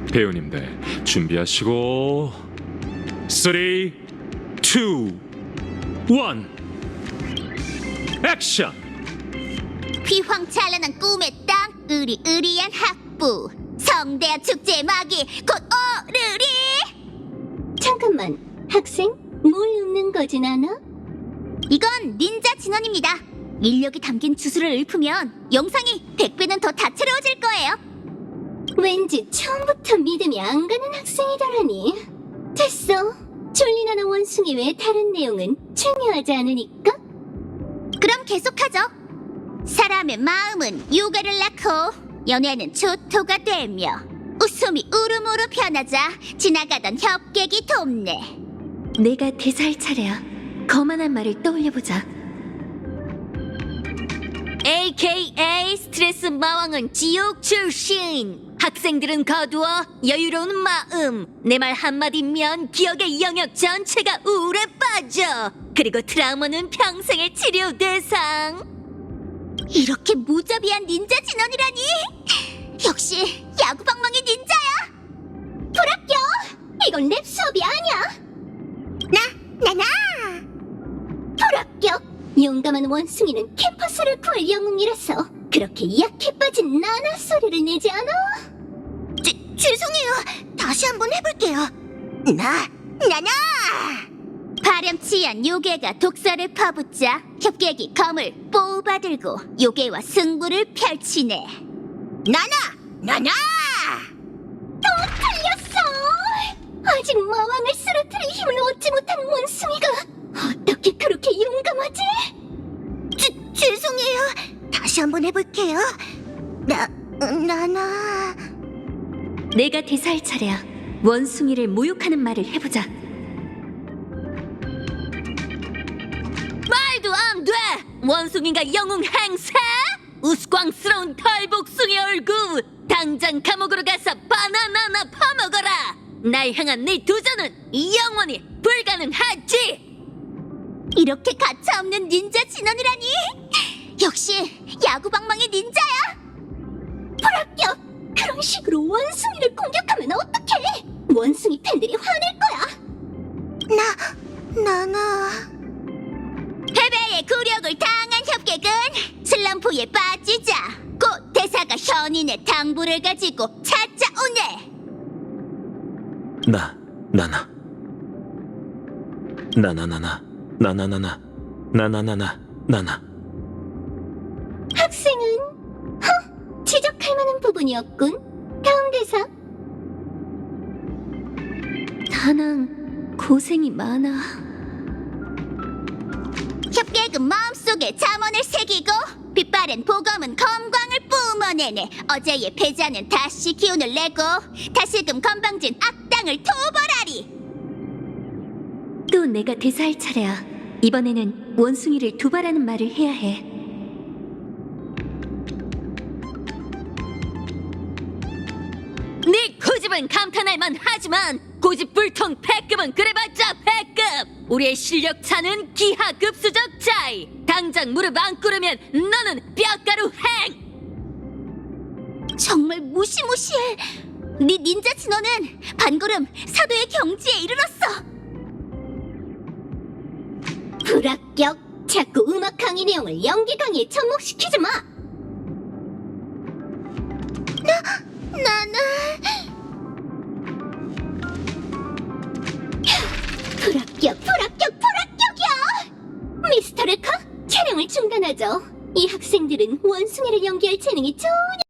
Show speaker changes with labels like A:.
A: 배우님들 준비하시고 3, 2, 1 액션!
B: 휘황찬란한 꿈의 땅, 으리으리한 학부, 성대한 축제의 막이 곧 오르리.
C: 잠깐만, 학생? 뭘 읊는 거지, 나나?
B: 이건 닌자 진원입니다. 인력이 담긴 주술을 읊으면 영상이 100배는 더 다채로워질 거예요.
C: 왠지 처음부터 믿음이 안 가는 학생이더라니. 됐어. 졸리나나 원숭이 외 다른 내용은 중요하지 않으니까.
B: 그럼 계속하죠. 사람의 마음은 요가를 낳고 연애는 초토가 되며 웃음이 울음으로 변하자 지나가던 협객이 돕네.
C: 내가 대사할 차례야. 거만한 말을 떠올려보자. AKA 스트레스 마왕은 지옥 출신. 학생들은 거두어 여유로운 마음. 내 말 한마디면 기억의 영역 전체가 우울에 빠져. 그리고 트라우마는 평생의 치료 대상.
B: 이렇게 무자비한 닌자 진원이라니. 역시 야구방망이 닌자야.
C: 불합격! 이건 랩 수업이 아니야.
B: 나나
C: 불합격! 용감한 원숭이는 캠퍼스를 구할 영웅이라서 그렇게 약해 빠진 나나 소리를 내지 않아?
B: 죄송해요. 다시 한번 해볼게요. 나나 파렴치한 요괴가 독사를 퍼붓자 협객이 검을 뽑아들고 요괴와 승부를 펼치네. 나나
C: 틀렸어! 아직 마왕을 쓰러뜨릴 힘을 얻지 못한 원숭이가 어떻게 그렇게 용감하지?
B: 죄송해요. 다시 한번 해볼게요. 나나
C: 내가 대사할 차례야. 원숭이를 모욕하는 말을 해보자. 말도 안 돼! 원숭이가 영웅 행세? 우스꽝스러운 털복숭이 얼굴! 당장 감옥으로 가서 바나나나 파먹어라! 날 향한 네 도전은 영원히 불가능하지!
B: 이렇게 가차없는 닌자 진원이라니. 역시 야구방망이 닌자야.
C: 불합격! 그런 식으로 원숭이를 공격하면 어떡해! 원숭이 팬들이 화낼 거야!
B: 나나 패배의 굴욕을 당한 협객은 슬럼프에 빠지자 곧 대사가 현인의 당부를 가지고 찾아오네.
A: 나나
C: 학생은 지적할 만한 부분이었군. 다음 대사. 다낭 고생이 많아.
B: 협객은 마음속에 잠언을 새기고 빛바랜 보검은 검광을 뿜어내네. 어제의 패자는 다시 기운을 내고 다시금 건방진 악당을 토벌하리.
C: 또 내가 대사할 차례야. 이번에는 원숭이를 두발하는 말을 해야 해. 네 고집은 감탄할 만하지만 고집불통 패급은 그래봤자 패급. 우리의 실력 차는 기하급수적 차이. 당장 무릎 안 꿇으면 너는 뼈가루 행.
B: 정말 무시무시해. 네 닌자 진원은 반걸음 사도의 경지에 이르렀어.
C: 불합격. 자꾸 음악 강의 내용을 연기 강의에 접목시키지 마.
B: 나나
C: 불합격이야. 미스터 르카, 촬영을 중단하죠. 이 학생들은 원숭이를 연기할 재능이 전혀